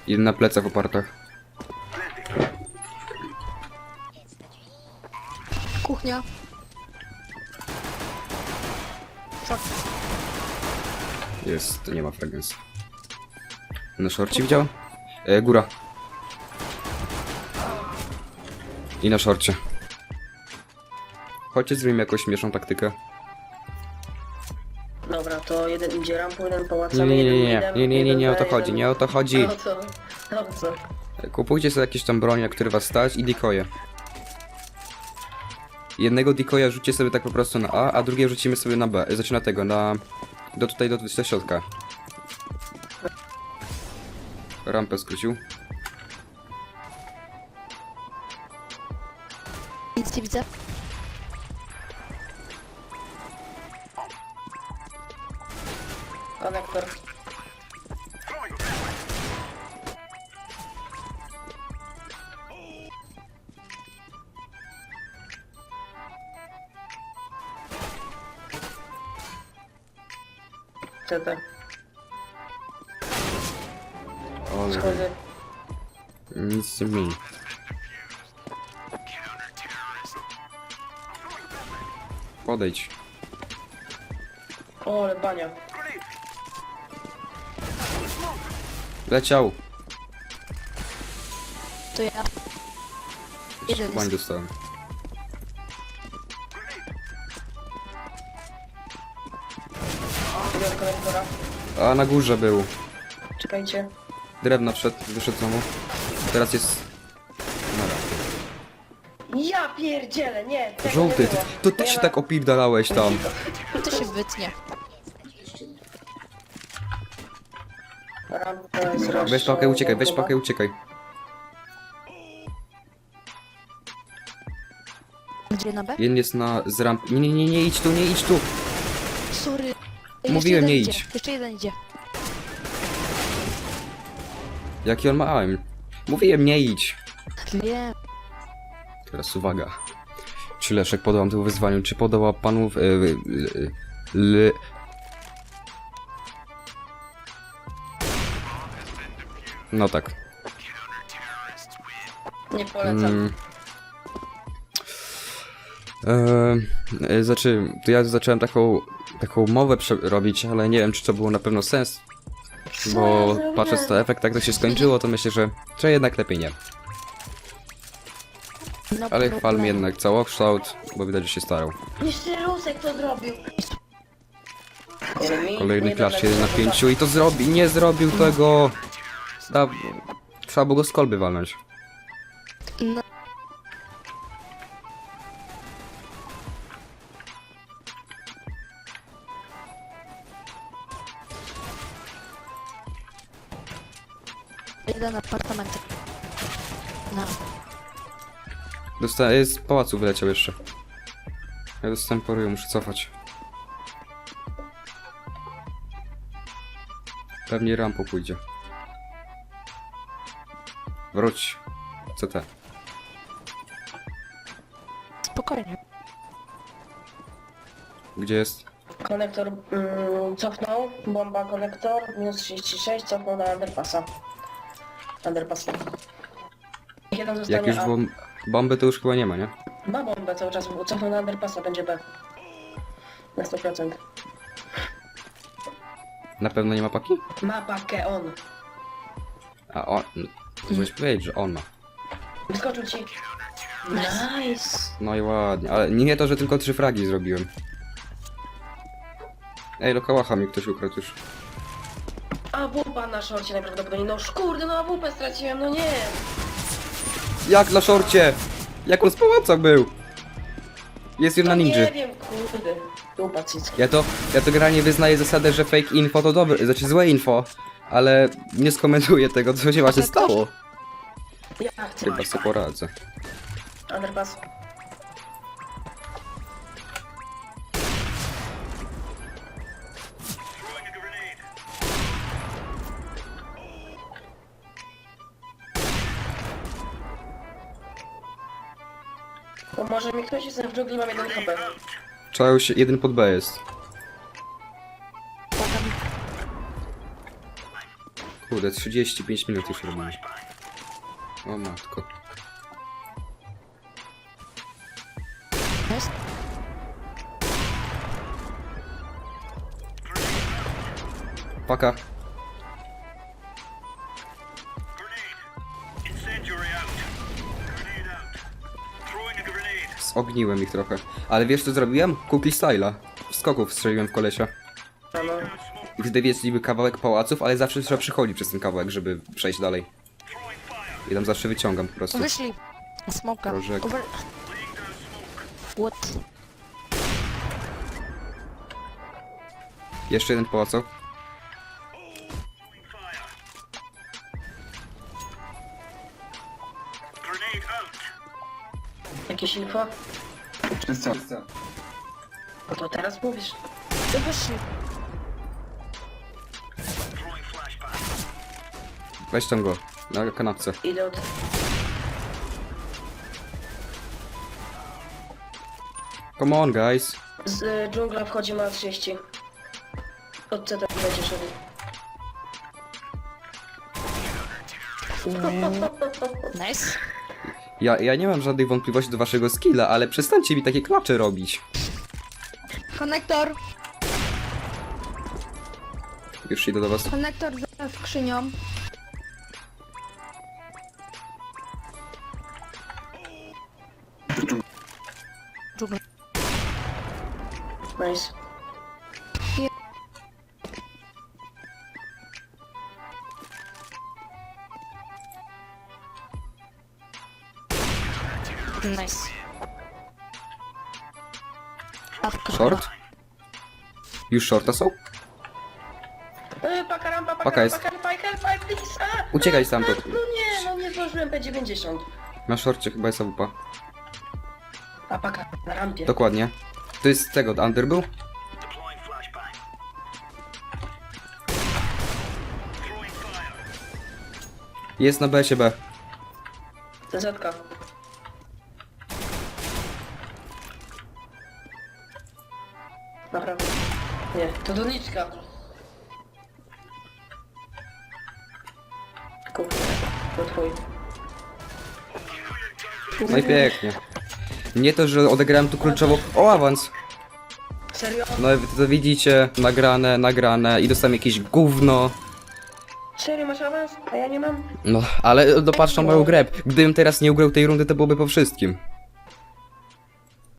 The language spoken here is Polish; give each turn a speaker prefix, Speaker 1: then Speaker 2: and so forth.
Speaker 1: Jeden na plecach opartach.
Speaker 2: Kuchnia. Szok.
Speaker 1: Jest, nie ma fragrance. Na szorcie widział? Góra. I na szorcie. Chodźcie, zrobimy jakąś śmieszną taktykę.
Speaker 3: Dobra, to jeden idzie rampą, jeden
Speaker 1: Nie,
Speaker 3: pałacami,
Speaker 1: nie, nie,
Speaker 3: jeden
Speaker 1: nie, nie, nie, nie, nie o to
Speaker 3: jeden
Speaker 1: chodzi, nie o to chodzi.
Speaker 3: O co? O co?
Speaker 1: Kupujcie sobie jakieś tam broń, na które was stać i decoje. Jednego decoya rzućcie sobie tak po prostu na A, a drugie rzucimy sobie na B. Znaczy na tego, na... do środka. Rampę skrócił.
Speaker 2: Nic nie widzę.
Speaker 3: Konektor. CT.
Speaker 1: Ale
Speaker 3: Schody.
Speaker 1: nic nie zmieni. Podejdź.
Speaker 3: O, ale bania.
Speaker 1: Leciał.
Speaker 2: To ja. Jeden
Speaker 1: Bań
Speaker 2: jest.
Speaker 1: dostałem.
Speaker 3: Idę do konektora.
Speaker 1: A na górze był.
Speaker 3: Czekajcie.
Speaker 1: Drewno wszedł, wyszedł znowu. Teraz jest... Nara.
Speaker 3: Ja pierdzielę, nie! tego
Speaker 1: Żółty,
Speaker 3: nie
Speaker 1: ty,
Speaker 3: było.
Speaker 1: to ty
Speaker 3: Nie
Speaker 1: się
Speaker 3: ma-
Speaker 1: tak opierdalałeś tam.
Speaker 2: To się wytnie.
Speaker 3: Rampa jest
Speaker 1: Weź pakę, uciekaj, weź
Speaker 3: rozszerzona.
Speaker 1: pakę, uciekaj.
Speaker 2: Gdzie na B?
Speaker 1: Jeden jest z ramp... Nie, nie, nie, nie idź tu, nie idź tu.
Speaker 2: Sorry.
Speaker 1: Mówiłem,
Speaker 2: Jeszcze
Speaker 1: nie
Speaker 2: jeden
Speaker 1: idź.
Speaker 2: idzie. Jeszcze jeden idzie.
Speaker 1: Jaki on ma aim? Mówiłem, nie idź.
Speaker 2: Wiem.
Speaker 1: Teraz uwaga. Czy Leszek podołam temu wyzwaniu? Czy podoła panów... No tak.
Speaker 3: Nie polecam.
Speaker 1: Znaczy, to ja zacząłem taką mowę robić, ale nie wiem, czy to było na pewno sens. Bo patrząc na efekt, jak to się skończyło, to myślę, że jednak lepiej nie.
Speaker 2: No
Speaker 1: Ale
Speaker 2: problem.
Speaker 1: chwalmy jednak całokształt, bo widać, że się starał.
Speaker 3: Jeszcze Rusek to zrobił.
Speaker 1: Kolejny klacz 1 na 5 i to zrobi, nie zrobił tego. Trzeba było go z kolby walnąć.
Speaker 2: No. Jeden apartament. No.
Speaker 1: Dostałem, z pałacu wyleciał jeszcze. Ja dostałem po ryju, muszę cofać. Pewnie rampą pójdzie. Wróć. CT.
Speaker 2: Spokojnie.
Speaker 1: Gdzie jest?
Speaker 3: Konektor cofnął, bomba konektor, minus 36, cofnął na underpassa. Underpass. Jeden
Speaker 1: Jak
Speaker 3: zostanie
Speaker 1: już
Speaker 3: A.
Speaker 1: bomby to już chyba nie ma, nie?
Speaker 3: Ma bombę cały czas, bo cofnął na underpassa, będzie B. Na 100%.
Speaker 1: Na pewno nie ma paki?
Speaker 3: Ma pakę on.
Speaker 1: A on... Możesz powiedzieć, że on ma.
Speaker 3: Wyskoczył ci. Nice.
Speaker 1: No i ładnie, ale nie to, że tylko 3 fragi zrobiłem. Ej, lokałacha mi ktoś ukradł już.
Speaker 3: A wupa na szorcie najprawdopodobniej. No kurde, no a wupę straciłem, no nie.
Speaker 1: Jak na szorcie? Jak on z pałaca był? Jest jedna
Speaker 3: No
Speaker 1: ninja.
Speaker 3: nie wiem, kurde. Wupa cycki.
Speaker 1: Ja to generalnie wyznaję zasadę, że fake info to dobre, znaczy złe info, ale nie skomentuję tego, co się właśnie stało.
Speaker 3: Ja chcę.
Speaker 1: Chyba sobie poradzę.
Speaker 3: Underpass. Pomoże mi ktoś, jestem w dżungli, mam 1 HP.
Speaker 1: Trzeba już jeden pod B jest.
Speaker 2: Potem
Speaker 1: Kurde, 35 minut już robimy. O matko.
Speaker 2: Jest?
Speaker 1: Paka. Zogniłem ich trochę. Ale wiesz co zrobiłem? Kukli styla. W skoków strzeliłem w kolesia.
Speaker 3: No, no.
Speaker 1: I wtedy jest niby kawałek pałaców, ale zawsze trzeba przychodzić przez ten kawałek, żeby przejść dalej. I tam zawsze wyciągam po prostu.
Speaker 2: Wyszli. Smoka.
Speaker 1: Prożek.
Speaker 2: Over... What?
Speaker 1: Jeszcze jeden pałaco.
Speaker 3: Jakieś info?
Speaker 4: Czysto.
Speaker 3: No to teraz mówisz.
Speaker 2: Wyszli.
Speaker 1: Weź tam go. Na kanapce.
Speaker 3: Idę od...
Speaker 1: Come on, guys.
Speaker 3: Z dżungla wchodzi ma 30. Od CT będzie szedł.
Speaker 2: Nice.
Speaker 1: Ja nie mam żadnych wątpliwości do waszego skilla, ale przestańcie mi takie klacze robić.
Speaker 5: Konektor,
Speaker 1: Już idę do was.
Speaker 5: konektor za skrzynią.
Speaker 2: Dżungla.
Speaker 3: Nice.
Speaker 2: Nice. Awka.
Speaker 1: Short? Już shorta są?
Speaker 3: Paka rampa,
Speaker 1: Paka jest.
Speaker 3: paka, please. A!
Speaker 1: Uciekaj stamtąd.
Speaker 3: No nie, no nie zdążyłem P90.
Speaker 1: Na shorcie chyba jest AWP.
Speaker 3: A paka na rampie.
Speaker 1: Dokładnie. To jest z tego, Under był? Jest na BS-ie B.
Speaker 3: Zetka. Naprawdę. Nie, to doniczka. Kurde, to twój.
Speaker 1: No i pięknie. Nie to, że odegrałem tu kluczowo... O, awans!
Speaker 3: Serio?
Speaker 1: No wy to widzicie, nagrane i dostałem jakieś gówno.
Speaker 3: Serio masz awans? A ja nie mam?
Speaker 1: No, ale dopatrz na moją grę. Gdybym teraz nie ugrał tej rundy, to byłoby po wszystkim.